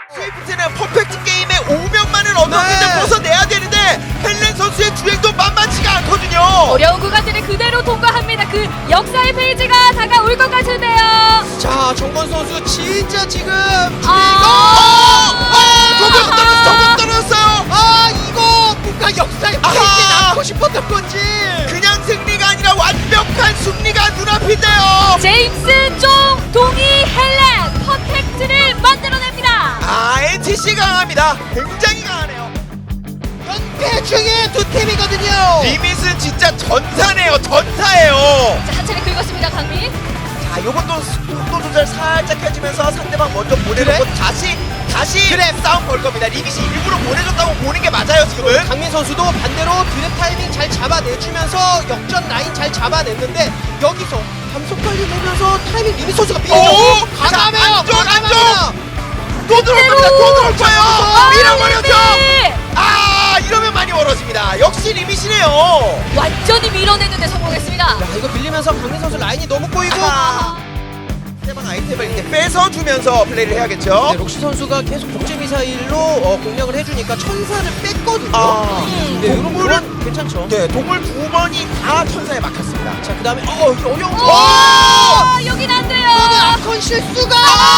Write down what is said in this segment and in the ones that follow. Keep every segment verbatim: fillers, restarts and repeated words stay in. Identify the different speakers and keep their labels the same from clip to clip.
Speaker 1: 스위프트는 퍼펙트 게임에 오명만을 어떻게든
Speaker 2: 네.
Speaker 1: 벗어내야 되는데 헬렌 선수의 주행도 만만치가 않거든요.
Speaker 3: 어려운 구간들을 그대로 통과합니다. 그 역사의 페이지가 다가올 것 같은데요.
Speaker 2: 자, 정건 선수 진짜 지금
Speaker 3: 아,
Speaker 1: 어, 저격 떨어졌어, 저격 떨어졌어요.
Speaker 2: 아, 이거 뭔가 역사의
Speaker 1: 아하.
Speaker 2: 페이지에 남고 싶었던 건지.
Speaker 1: 그냥 승리가 아니라 완벽한 승리가 눈앞인데요.
Speaker 3: 제임스 쫑 동이 헬렌 퍼펙트를 만들어냅니다.
Speaker 1: 아, 엔티씨 강합니다. 굉장히 강하네요.
Speaker 2: 연패 중에 두 팀이거든요.
Speaker 1: 리밋은 진짜 전사네요. 전사예요.
Speaker 3: 자, 한 차례 긁었습니다, 강민.
Speaker 1: 자, 요것도 속도 조절 살짝 해주면서 상대방 먼저 보내놓고
Speaker 2: 그래?
Speaker 1: 다시 다시
Speaker 2: 그래.
Speaker 1: 싸움 걸 겁니다. 리밋이 일부러 보내줬다고 보는 게 맞아요, 지금은.
Speaker 2: 강민 선수도 반대로 드랩 타이밍 잘 잡아내주면서 역전 라인 잘 잡아냈는데 여기서 감속 관리 보면서 타이밍 리밋 선수가 삐져.
Speaker 1: 오!
Speaker 2: 과감해요.
Speaker 1: 자, 안쪽,
Speaker 2: 과감합니다.
Speaker 1: 또 들어올 겁니다. 또 들어올 거예요.
Speaker 3: 아,
Speaker 1: 밀어버렸죠.
Speaker 3: 네.
Speaker 1: 아, 이러면 많이 멀어집니다. 역시 리밋이네요.
Speaker 3: 완전히 밀어내는데 성공했습니다.
Speaker 2: 야, 이거 밀리면서 강민 선수 라인이 너무 꼬이고.
Speaker 1: 아, 상대방 아이템을 이제 뺏어주면서 플레이를 해야겠죠.
Speaker 2: 네, 록시 선수가 계속 복제 미사일로 어, 공략을 해주니까 천사를 뺐거든요.
Speaker 1: 아,
Speaker 2: 네, 이런
Speaker 1: 동물은
Speaker 2: 건 괜찮죠.
Speaker 1: 네, 동물 두 번이 다 천사에 막혔습니다.
Speaker 2: 자, 그 다음에 어, 이거 어려운 거.
Speaker 3: 오, 여긴 안 돼요.
Speaker 2: 아컨 실수가.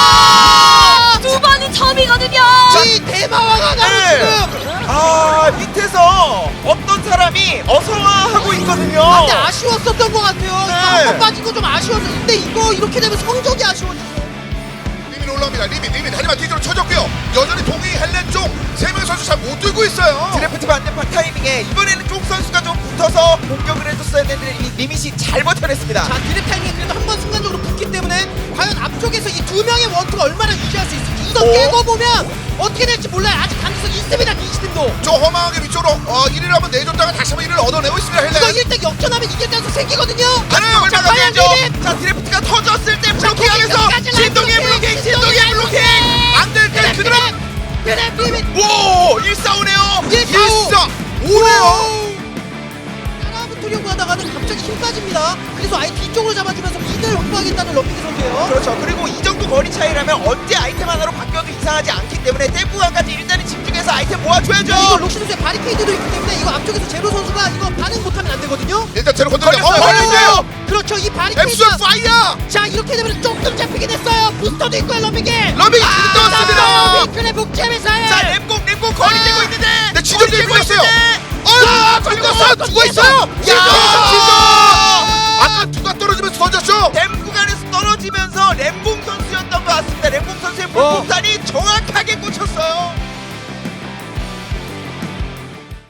Speaker 3: 두 번이 처음이거든요.
Speaker 2: 이 대마왕아가
Speaker 1: 네.
Speaker 2: 지금.
Speaker 1: 아, 밑에서 어떤 사람이 어서와하고 있거든요.
Speaker 2: 아, 근데 아쉬웠었던 것 같아요. 이거
Speaker 1: 네.
Speaker 2: 한번 빠진 거 좀 아쉬웠어. 근데 이거 이렇게 되면 성적이 아쉬워지죠.
Speaker 4: 리밋 올라옵니다. 리밋 리밋 하지만 뒤로 쳐졌고요. 여전히 동이 헬렌 쪽 세 명의 선수 잘 못 들고 있어요.
Speaker 1: 드래프트 반대판 타이밍에 이번에는 쪽 선수가 좀 붙어서 공격을 해줬어야 되는데 이 리밋이 잘 버텨냈습니다.
Speaker 2: 자, 드랩 타이밍이 그래도 한 번 순간적으로 붙기 때문에 과연 앞쪽에서 이 두 명의 원투가 얼마나 유지할 수 있을지 이거
Speaker 1: 오.
Speaker 2: 깨고 보면 어떻게 될지 몰라요. 아직 가능성이 있습니다. 이시팀도.
Speaker 4: 저 허망하게 위쪽으로 어, 일 위를 한번 내줬다가 다시 한번 일 위를 얻어내고 있습니다.
Speaker 2: 이거
Speaker 4: 헬렌.
Speaker 2: 일 등 역전하면 이길 가능성 생기거든요.
Speaker 1: 안쪽을
Speaker 2: 자, 과연
Speaker 1: 막아야죠.
Speaker 2: 리밋.
Speaker 1: 자, 드래프트가 터졌을 때 블로킹하면서
Speaker 2: 거기까지
Speaker 1: 신동의
Speaker 2: 라인
Speaker 1: 블로킹,
Speaker 2: 블로킹,
Speaker 1: 신동의
Speaker 2: 신동의
Speaker 1: 블로킹. 안 될 때 그대로.
Speaker 2: 드랩 리밋.
Speaker 1: 오, 일사오네요.
Speaker 2: 일사
Speaker 4: 오네요.
Speaker 2: 따라붙으려고 하다가는 갑자기 힘 빠집니다. 그래서 아예 뒤쪽으로 잡아주면서 미드를 확보하겠다는 럭비드 선수예요.
Speaker 1: 그렇죠. 그리고 이 정도 거리 차이라면 언제 아이템 하나로 바뀌어도 이상하지 않기 때문에 댐프간까지 일단은 집중해서 아이템 모아줘야죠.
Speaker 2: 이거 록시 선수의 바리케이드도 있기 때문에 이거 앞쪽에서 제로 선수가 이거 반응 못하면 안 되거든요.
Speaker 4: 일단 제로 건드려. 어,
Speaker 1: 걸렸어요,
Speaker 4: 걸렸어요.
Speaker 1: 걸렸어요.
Speaker 2: 그렇죠. 이
Speaker 4: 앱솔
Speaker 2: 바리케이드가
Speaker 4: 파이어.
Speaker 2: 자 이렇게 되면 조금 잡히긴 했어요. 부스터도 있고요. 러빙이
Speaker 4: 러빙이 지금 떠왔습니다.
Speaker 2: 빅클의 복제미사일.
Speaker 1: 자, 램공, 램공 거리
Speaker 2: 아.
Speaker 1: 떼고 있는데.
Speaker 4: 네, 지점
Speaker 1: 거리 떼고
Speaker 4: 밀렸어요.
Speaker 1: 있는데.
Speaker 4: 아, 걸렸어. 죽어 있어요.
Speaker 2: 야.
Speaker 4: 아까 누가 떨어지면서 던졌죠?
Speaker 1: 댐 구간에서 떨어지면서 램공 선수였던 것 같습니다. 램공 선수의
Speaker 2: 어.
Speaker 1: 폭탄이